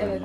Evet.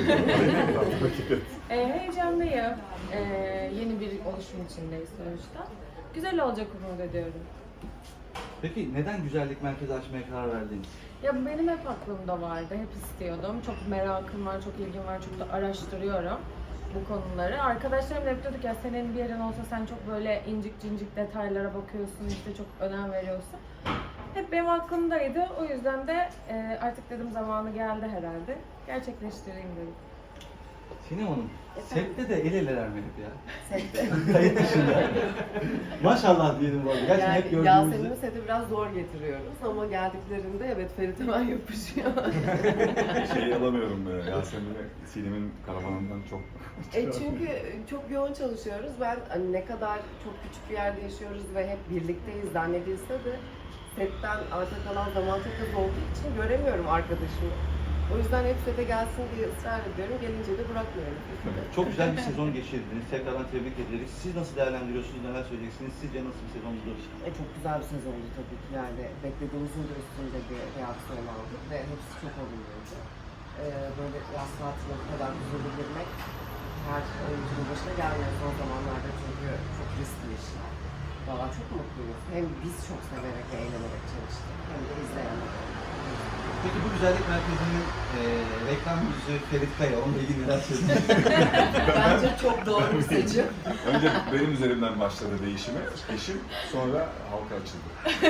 Heyecanlıyım. Yeni bir oluşum içindeyiz sonuçta. Güzel olacak umut ediyorum. Peki neden güzellik merkezi açmaya karar verdiniz? Ya bu benim hep aklımda vardı, hep istiyordum. Çok merakım var, çok ilgim var, çok da araştırıyorum bu konuları. Arkadaşlarım da hep diyorduk ya senin bir yerin olsa sen çok böyle incik cincik detaylara bakıyorsun, işte çok önem veriyorsun. Hep benim aklımdaydı. O yüzden de artık dedim zamanı geldi herhalde. Gerçekleştireyim dedim. Sinem Hanım, sette de el eleler mi hep ya? Sette. Kayıt dışında. Maşallah diyelim bu arada. Gerçekten hep gördüğümüzde. Yasemin'i sete biraz zor getiriyoruz ama geldiklerinde evet Ferit hemen yapışıyor. Şeyi alamıyorum Yasemin'e, Sinem'in karavanından çok... Çünkü çok yoğun çalışıyoruz. Ben hani ne kadar çok küçük bir yerde yaşıyoruz ve hep birlikteyiz zannedilse de setten arta kalan zaman çok az olduğu için göremiyorum arkadaşımı. O yüzden hep sete gelsin diye ısrar ediyorum. Gelince de bırakmıyorum. Çok güzel bir sezon geçirdiniz. Tekrardan tebrik ederiz. Siz nasıl değerlendiriyorsunuz, neler söyleyeceksiniz? Sizce nasıl bir sezondu? Çok güzel bir sezondu tabii ki. Yani beklediğimizin de üstünde bir reaksiyon aldık ve hepsi çok olumluydu. Böyle yaz tatiline bu kadar huzurlu girmek her oyuncunun başına gelmiyor son zamanlarda çünkü çok riskli işler. Valla çok mutluyuz. Hem biz çok severek ve eğlenerek çalıştık hem de izleyenler. Peki bu güzellik merkezinin reklam yüzü Ferit Kaya, onunla ilgili neler söyleyeceksiniz? Bence çok doğru bir seçim. Önce benim üzerimden başladı değişimi, eşim, sonra halka açıldı.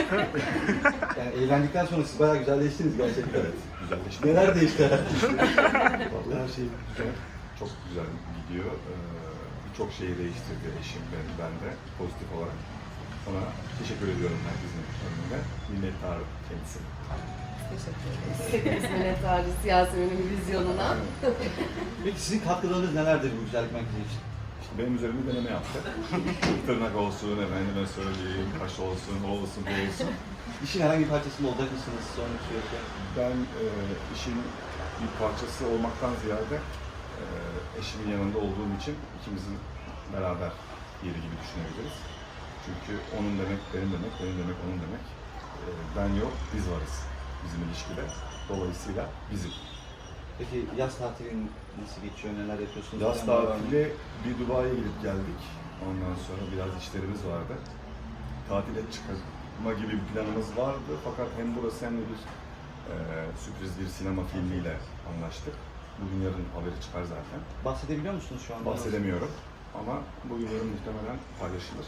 Yani eğlendikten sonra siz bayağı güzelleştiniz gerçekten. Evet, güzelleşti. Neler değişti? Vallahi her şey güzel, çok güzel gidiyor. Birçok şeyi değiştirdi eşim ve ben de pozitif olarak. Ona teşekkür ediyorum herkesin önünde. Minnettar kendisi. Teşekkür ederiz. Hepimiz minnettarız Yasemin'in vizyonuna. Peki sizin katkılarınız nelerdir bu güzellik merkezi için? İşte benim üzerimde deneme yaptı. Tırnak olsun, efendime söyleyeyim, kaş olsun, o olsun, bu olsun. İşin herhangi bir parçasında olacak mısınız sonraki süreçte? Ben işin bir parçası olmaktan ziyade eşimin yanında olduğum için ikimizin beraber yeri gibi düşünebiliriz. Çünkü onun demek benim demek, benim demek onun demek. Ben yok, biz varız bizim ilişkide. Dolayısıyla bizim. Peki yaz tatilin nasıl geçiyor, neler yapıyorsunuz? Yaz tatili bir Dubai'ye gidip geldik. Ondan sonra biraz işlerimiz vardı. Tatile çıkma gibi bir planımız vardı. Fakat hem burası hem de bir sürpriz bir sinema filmiyle anlaştık. Bugün yarın haberi çıkar zaten. Bahsedebiliyor musunuz şu anda? Bahsedemiyorum ama bugün yarın muhtemelen paylaşılır.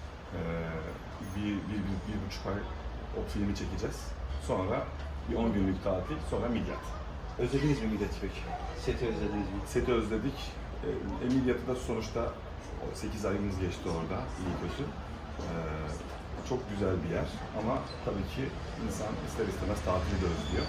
Bir buçuk ay o filmi çekeceğiz. Sonra bir 10 günlük tatil, sonra Midyat. Özlediniz mi Midyat'ı peki? Seti özlediniz mi? Seti özledik. Midyat'ı da sonuçta 8 ayımız geçti orada, iyi kötü. Çok güzel bir yer ama tabii ki insan ister istemez tatili de özlüyor.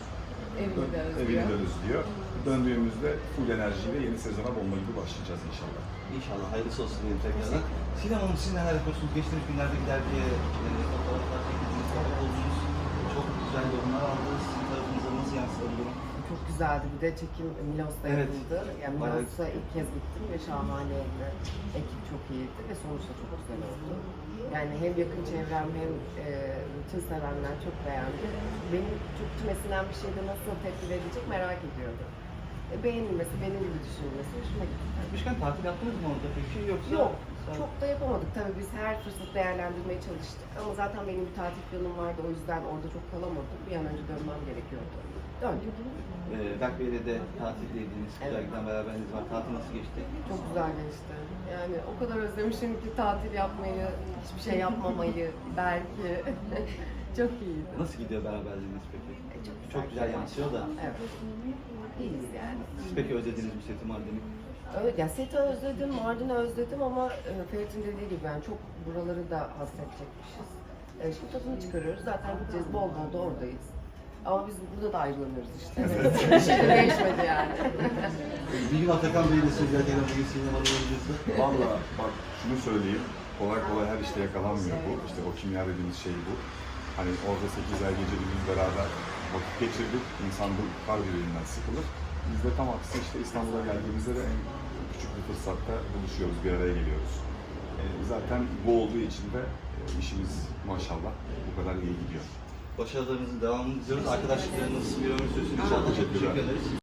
Evini de özlüyor. Döndüğümüzde full enerjiyle yeni sezona bomba gibi başlayacağız inşallah. İnşallah hayırlısı olsun diyelim tekrardan. Sinem Hanım siz neler yapıyorsunuz? Geçtiğimiz günlerde gider diye fotoğraflar çekildiniz, fotoğraf oldunuz. Çok güzel yorumlar aldınız. Sizin tarafınıza nasıl yansıdı bu durum? Çok güzeldi. Bir de çekim Milos'ta Evet. yapıldı. Yani Milos'a ilk kez gittim ve şahaneydi. Ekip çok iyiydi ve sonuçta çok güzel oldu. Yani hem yakın çevrem hem bütün sevenler çok beğendi. Benim çok içmesinden bir şeyde nasıl tepki verecek merak ediyordum. Beğenilmesi, benim gibi düşünülmesi hoşuma gitti. Gitmişken tatil yaptınız mı orada peki yoksa? Yok, çok da yapamadık. Tabii biz her fırsatı değerlendirmeye çalıştık. Ama zaten benim bir tatil planım vardı. O yüzden orada çok kalamadım. Bir an önce dönmem gerekiyordu. Döndük. Berk Bey'le de tatildeydiniz. Güzellikten beraberiniz var. Tatil nasıl geçti? Çok güzel geçti. Yani o kadar özlemişim ki tatil yapmayı, hiçbir şey yapmamayı belki. Çok iyiydi. Nasıl gidiyor beraberliğiniz peki? Çok güzel yansıyor da. Evet. İyiyiz yani. Siz peki özlediniz mi seti Mardin'i? Evet, ya Set'i özledim, Mardin'i özledim ama Ferit'in dediği gibi yani çok buraları da hassedecekmişiz. Şimdi tadını çıkarıyoruz. Zaten gideceğiz, bol bol da oradayız. Ama biz burada da ayrılamıyoruz işte. Bir şey de değişmedi yani. Bir gün Atakan Bey'i de söylerken bugün Sinem Hanım'ın öncesi. Valla bak şunu söyleyeyim, kolay kolay her işte yakalanmıyor bu. İşte o kimya dediğimiz şey bu. Hani orada 8 ay gece gündüz beraber vakit geçirdik. İnsan bu kar birbirinden sıkılır. Biz de tam aksi işte İstanbul'a geldiğimizde de en küçük bir fırsatta buluşuyoruz, bir araya geliyoruz. Zaten bu olduğu için de işimiz maşallah bu kadar iyi gidiyor. Başarılarınızın devamını diliyoruz. Arkadaşlıklarınız bir ömür sürsün inşallah. Çok teşekkür ederiz.